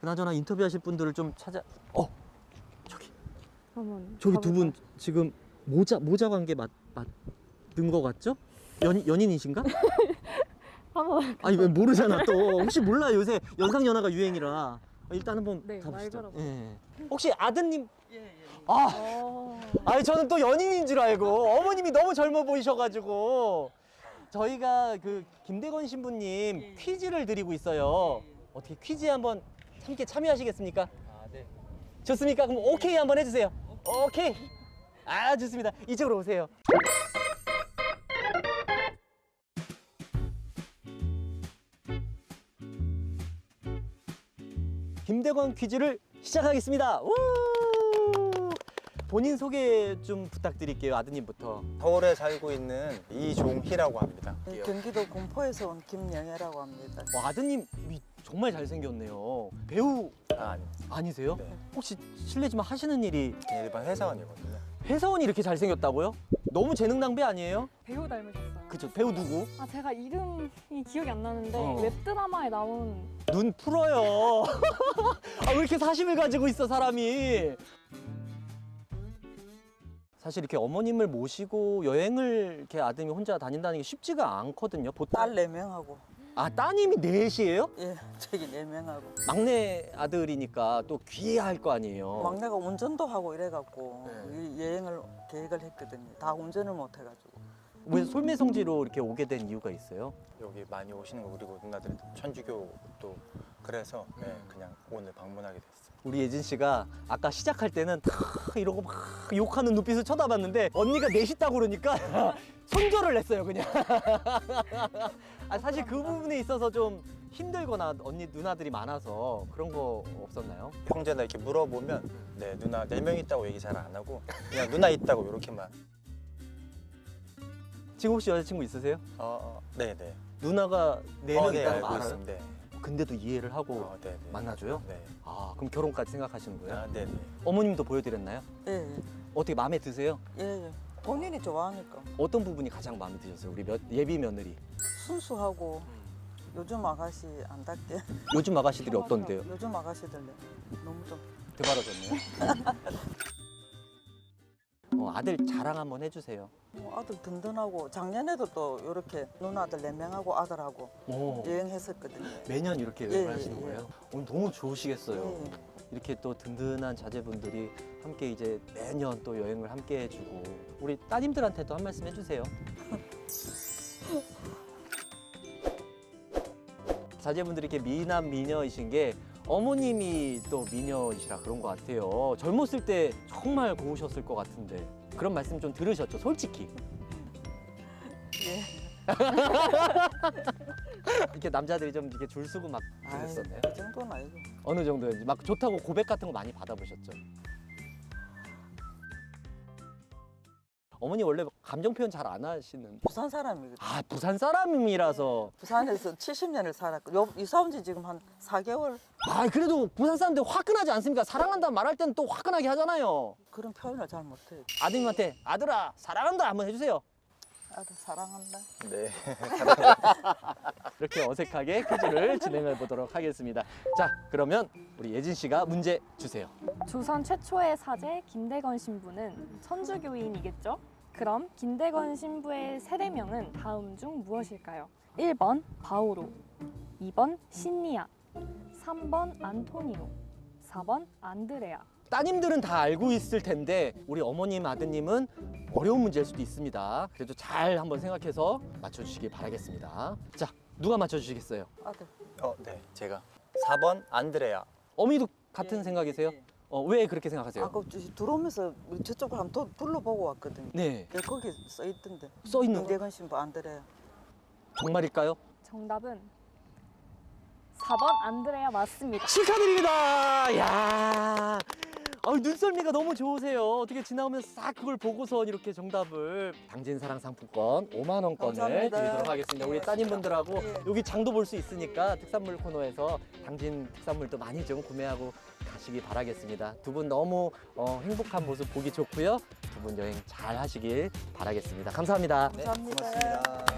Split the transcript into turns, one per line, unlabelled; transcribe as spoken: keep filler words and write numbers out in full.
그나저나 인터뷰하실 분들을 좀 찾아. 어, 저기
한번
저기 두 분
가볼까요?
지금 모자 모자 관계 맞 맞는 거 같죠? 연 연인이신가?
한번
아니 왜 모르잖아 또. 혹시 몰라 요새 연상 연하가 유행이라. 일단 한번
네, 말
가보시죠.
걸어봐.
예. 혹시 아드님?
예, 예.
아,
어...
아니 저는 또 연인인 줄 알고 어머님이 너무 젊어 보이셔가지고 저희가 그 김대건 신부님
예, 예.
퀴즈를 드리고 있어요.
예, 예.
어떻게 퀴즈에 한번 함께 참여하시겠습니까?
아, 네.
좋습니까? 그럼 오케이 한번 해주세요. 오케이. 아 좋습니다. 이쪽으로 오세요. 김대건 퀴즈를 시작하겠습니다. 우! 본인 소개 좀 부탁드릴게요. 아드님부터.
서울에 살고 있는 이종희라고 합니다.
네, 경기도 군포에서 온 김영애라고 합니다.
와, 아드님이 정말 잘생겼네요. 배우
아, 아닙니다.
아니세요?
네.
혹시 실례지만 하시는 일이
일반 회사원이거든요.
회사원이 이렇게 잘생겼다고요? 너무 재능 낭비 아니에요?
배우 닮으셨어요.
그쵸, 배우 누구?
아 제가 이름이 기억이 안 나는데
어.
웹드라마에 나온
눈 풀어요. 아, 왜 이렇게 사심을 가지고 있어, 사람이? 사실 이렇게 어머님을 모시고 여행을 이렇게 아드님이 혼자 다닌다는 게 쉽지가 않거든요. 보통.
딸 네 명하고,
아, 따님이 넷이에요?
예, 저기 네 명하고.
막내 아들이니까 또 귀해야 할 거 아니에요.
막내가 운전도 하고 이래갖고
네.
이 여행을 계획을 했거든요. 다 운전을 못 해가지고.
왜 솔매성지로 이렇게 오게 된 이유가 있어요?
여기 많이 오시는 거 그리고 누나들이 천주교도 그래서 네, 그냥 오늘 방문하게 됐어요.
우리 예진 씨가 아까 시작할 때는 다 이러고 막 욕하는 눈빛을 쳐다봤는데 언니가 넷있다고 그러니까 손절을 했어요 그냥. 아, 사실 그 부분에 있어서 좀 힘들거나 언니 누나들이 많아서 그런 거 없었나요?
형제나 이렇게 물어보면 네 누나 네 명 있다고 얘기 잘 안 하고 그냥 누나 있다고 이렇게만.
지금 혹시 여자친구 있으세요?
어, 네네.
누나가 네 명
어, 네,
있다는
알고
거 알아요?
있습니다. 네.
근데도 이해를 하고
어, 네네.
만나줘요?
네.
아, 그럼 결혼까지 생각하시는 거예요?
아, 네네.
어머님도 보여드렸나요?
예, 예,
어떻게 마음에 드세요?
예, 예. 본인이 좋아하니까
어떤 부분이 가장 마음에 드셨어요? 우리 몇, 예비 며느리.
순수하고 요즘 아가씨 안답게.
요즘 아가씨들이 어떤데요?
요즘 아가씨들 너무 좀.
대바라졌네요. 어, 아들 자랑 한번 해주세요.
뭐 아들 든든하고 작년에도 또 이렇게 누나들 네 명하고 아들하고
오,
여행했었거든요.
매년 이렇게
예,
여행을
예,
하시는
예.
거예요? 오늘 너무 좋으시겠어요.
예.
이렇게 또 든든한 자제분들이 함께 이제 매년 또 여행을 함께 해주고 우리 따님들한테도 한 말씀 해주세요. 자제분들이 이렇게 미남 미녀이신 게 어머님이 또 미녀이시라 그런 것 같아요. 젊었을 때 정말 고우셨을 것 같은데 그런 말씀 좀 들으셨죠? 솔직히.
예.
이렇게 남자들이 좀 이렇게 줄 서고 막
아이,
그랬었나요?
그 정도는 아니고.
어느 정도였는지 막 좋다고 고백 같은 거 많이 받아보셨죠? 어머니 원래 감정 표현 잘 안 하시는.
부산 사람이거든.
아, 부산 사람이라서.
부산에서 칠십 년을 살았고 요 이사 온 지 지금 한 사 개월.
아, 그래도 부산 사람들 화끈하지 않습니까? 사랑한다 말할 때는 또 화끈하게 하잖아요.
그런 표현을 잘 못해.
아드님한테 아들아 사랑한다 한번 해주세요.
아들 사랑한다.
네.
이렇게 어색하게 퀴즈를 진행해 보도록 하겠습니다. 자, 그러면 우리 예진 씨가 문제 주세요.
조선 최초의 사제 김대건 신부는 천주교인이겠죠? 그럼 김대건 신부의 세례명은 다음 중 무엇일까요? 일 번 바오로, 이 번 신니아, 삼 번 안토니오, 사 번 안드레아.
따님들은 다 알고 있을 텐데 우리 어머님, 아드님은 어려운 문제일 수도 있습니다. 그래도 잘 한번 생각해서 맞춰주시길 바라겠습니다. 자, 누가 맞춰주시겠어요?
아들.
어, 네. 제가 사 번 안드레아.
어머니도 같은
예,
생각이세요?
예.
어, 왜 그렇게 생각하세요?
아까 저- 들어오면서 저쪽을 한번 도- 둘러보고 왔거든요.
네,
근데 거기 써 있던데.
써 있는 거
김대건 신부 안드레아.
정말일까요?
정답은 사 번 안드레아 맞습니다.
축하드립니다. 야, 아, 눈썰미가 너무 좋으세요. 어떻게 지나오면서 싹 그걸 보고선 이렇게 정답을. 당진사랑 상품권 오만 원권을
감사합니다.
드리도록 하겠습니다. 우리
예.
따님분들하고
예.
여기 장도 볼 수 있으니까 특산물 코너에서 당진 특산물도 많이 좀 구매하고 가시기 바라겠습니다. 두 분 너무 어, 행복한 모습 보기 좋고요. 두 분 여행 잘 하시길 바라겠습니다. 감사합니다.
네,
감사합니다.
고맙습니다.